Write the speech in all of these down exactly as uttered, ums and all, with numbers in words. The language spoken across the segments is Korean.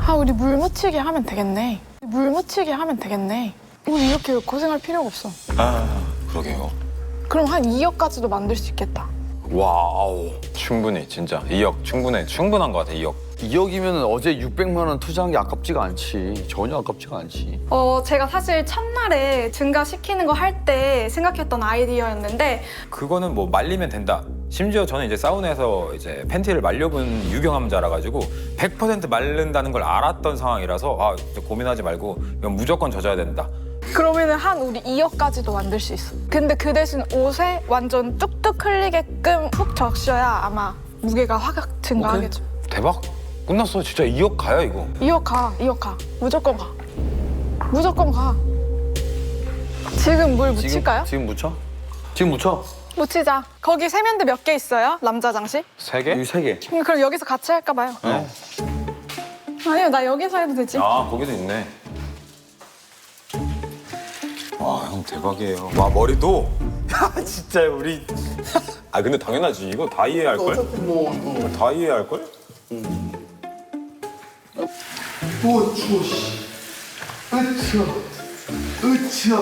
아, 우리 물 묻히게 하면 되겠네. 물 묻히게 하면 되겠네. 우리 이렇게 고생할 필요가 없어. 아, 그러게요. 그럼 한 이억까지도 만들 수 있겠다. 와우, 충분히 진짜 이억 충분해. 충분한 것 같아, 이억. 이억이면 어제 육백만 원 투자한 게 아깝지가 않지. 전혀 아깝지가 않지. 어, 제가 사실 첫날에 증가시키는 거 할 때 생각했던 아이디어였는데 그거는 뭐 말리면 된다. 심지어 저는 이제 사우나에서 이제 팬티를 말려본 유경험자라 가지고 백 퍼센트 마른다는 걸 알았던 상황이라서 아, 진짜 고민하지 말고 이건 무조건 젖어야 된다. 그러면은 한 우리 이억까지도 만들 수 있어. 근데 그 대신 옷에 완전 뚝뚝 흘리게끔 푹 적셔야 아마 무게가 확 증가하겠죠. 대박. 끝났어. 진짜 이억 가야 이거. 이억 가, 이억 가. 무조건 가. 무조건 가. 지금 물 묻힐까요? 지금, 지금 묻혀? 지금 묻혀? 묻히자. 거기 세면대 몇 개 있어요? 남자 장식? 세 개? 여기 세 개. 음, 그럼 여기서 같이 할까 봐요. 네. 아니요, 나 여기서 해도 되지. 아, 거기도 있네. 와, 형 대박이에요. 와, 머리도. 야, 진짜 우리. 아, 근데 당연하지. 이거 다 이해할 걸. 뭐, 다 이해할 걸? 오, 추워, 씨. 으쌰, 으쌰.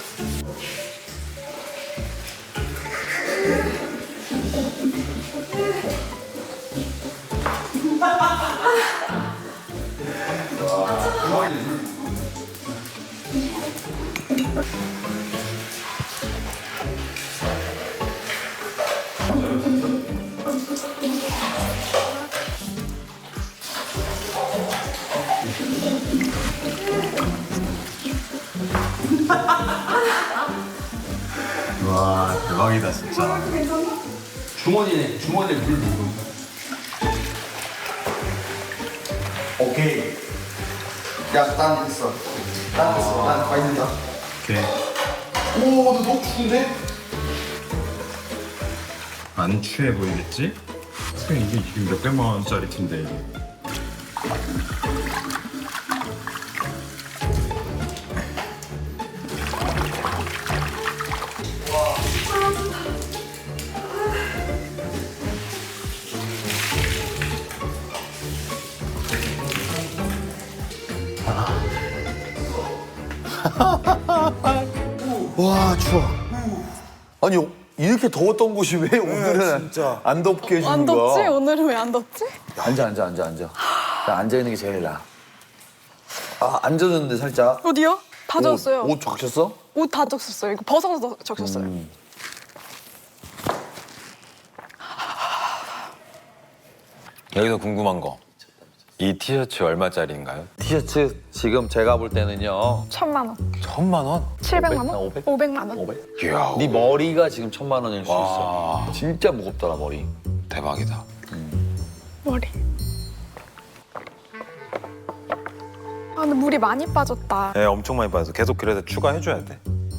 와 대박이다 진짜. 주머니에, 주머니에 물 넣고. 오케이. 야, 난 됐어. 난 됐어. 난 가있는다. 오케이. 오, 너 너무 추운데? 안 취해 보이겠지? 그냥 이게 지금 몇백만 원짜리 텐데 이게. 와, 추워. 아니, 이렇게 더웠던 곳이 왜 오늘은 안 덥게 해주는 안 거야? 덥지? 오늘은 왜 안 덥지? 앉아, 앉아, 앉아, 앉아. 나 앉아있는 게 제일 나아. 아, 앉아졌는데 살짝. 어디요? 다 젖었어요. 옷, 옷 적셨어? 옷 다 적셨어요. 이거 벗어서 적셨어요. 음. 여기서 궁금한 거. 이 티셔츠 얼마짜리인가요? 티셔츠 지금 제가 볼 때는요. 천만 원. 천만 원? 칠백만 원? 오백? 오백만 원? 오백? 이야. 네 머리가 지금 천만 원일 수 와. 있어. 진짜 무겁더라, 머리. 대박이다. 머리. 아, 근데 물이 많이 빠졌다. 네, 엄청 많이 빠져서 계속 그래서 추가해줘야 돼.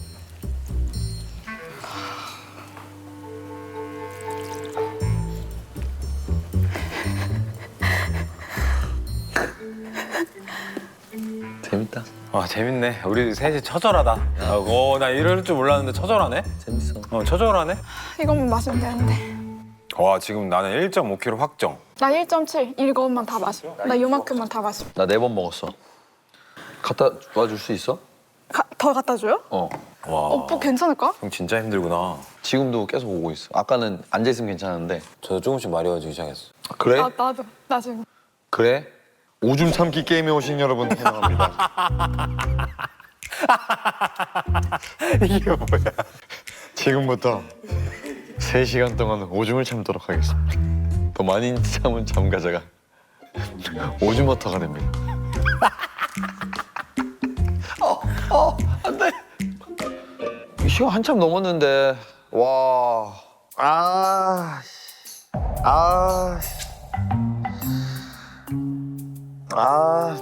재밌다. 와, 재밌네. 우리 셋이 처절하다. 어, 나 이럴 줄 몰랐는데 처절하네? 재밌어. 어, 처절하네? 이것만 마시면 되는데. 와, 지금 나는 일 점 오 킬로그램 확정. 나 일 점 칠. 이것만 다 마셔. 나 요만큼만 다 마셔. 나 네 번 먹었어. 갖다 와줄 수 있어? 가, 더 갖다 줘요? 어. 와. 오빠 괜찮을까? 형 진짜 힘들구나. 지금도 계속 오고 있어. 아까는 앉아있으면 괜찮은데. 저도 조금씩 마려워지기 시작했어. 그래? 아, 나도. 나 지금. 그래? 오줌 참기 게임에 오신 여러분 환영합니다. 이게 뭐야? 지금부터 세 시간 동안 오줌을 참도록 하겠습니다. 더 많이 참은 참가자가 오줌워터가 됩니다. 어, 어, 안 돼. 시간 한참 넘었는데, 와. 아, 씨. 아, 씨. 아.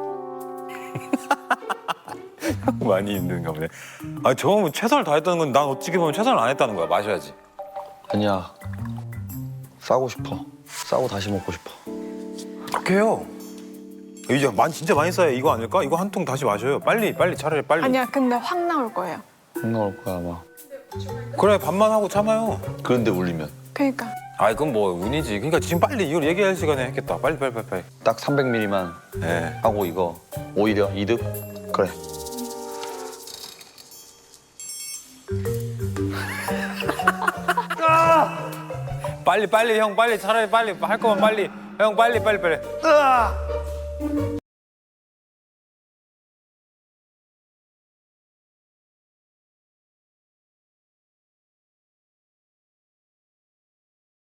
많이 힘든가 보네. 아, 저거 최선을 다했다는 건 난 어떻게 보면 최선을 안 했다는 거야. 마셔야지. 아니야. 싸고 싶어. 싸고 다시 먹고 싶어. 그렇게 해요. 이제 많이 진짜 많이 쌓여. 이거 아닐까? 이거 한 통 다시 마셔요. 빨리 빨리 차라리 빨리. 아니야, 근데 확 나올 거예요. 안 나올 거야, 아마. 그래, 밥만 하고 참아요. 그런데 울리면. 그러니까. 아 이건 뭐 운이지. 그러니까 지금 빨리 이걸 얘기할 시간에 했겠다. 빨리 빨리 빨리 빨리. 딱 삼백 밀리리터만 네. 하고 이거 오히려 이득? 그래. 빨리 빨리 형 빨리 차라리 빨리 할 거면 빨리 형 빨리 빨리 빨리.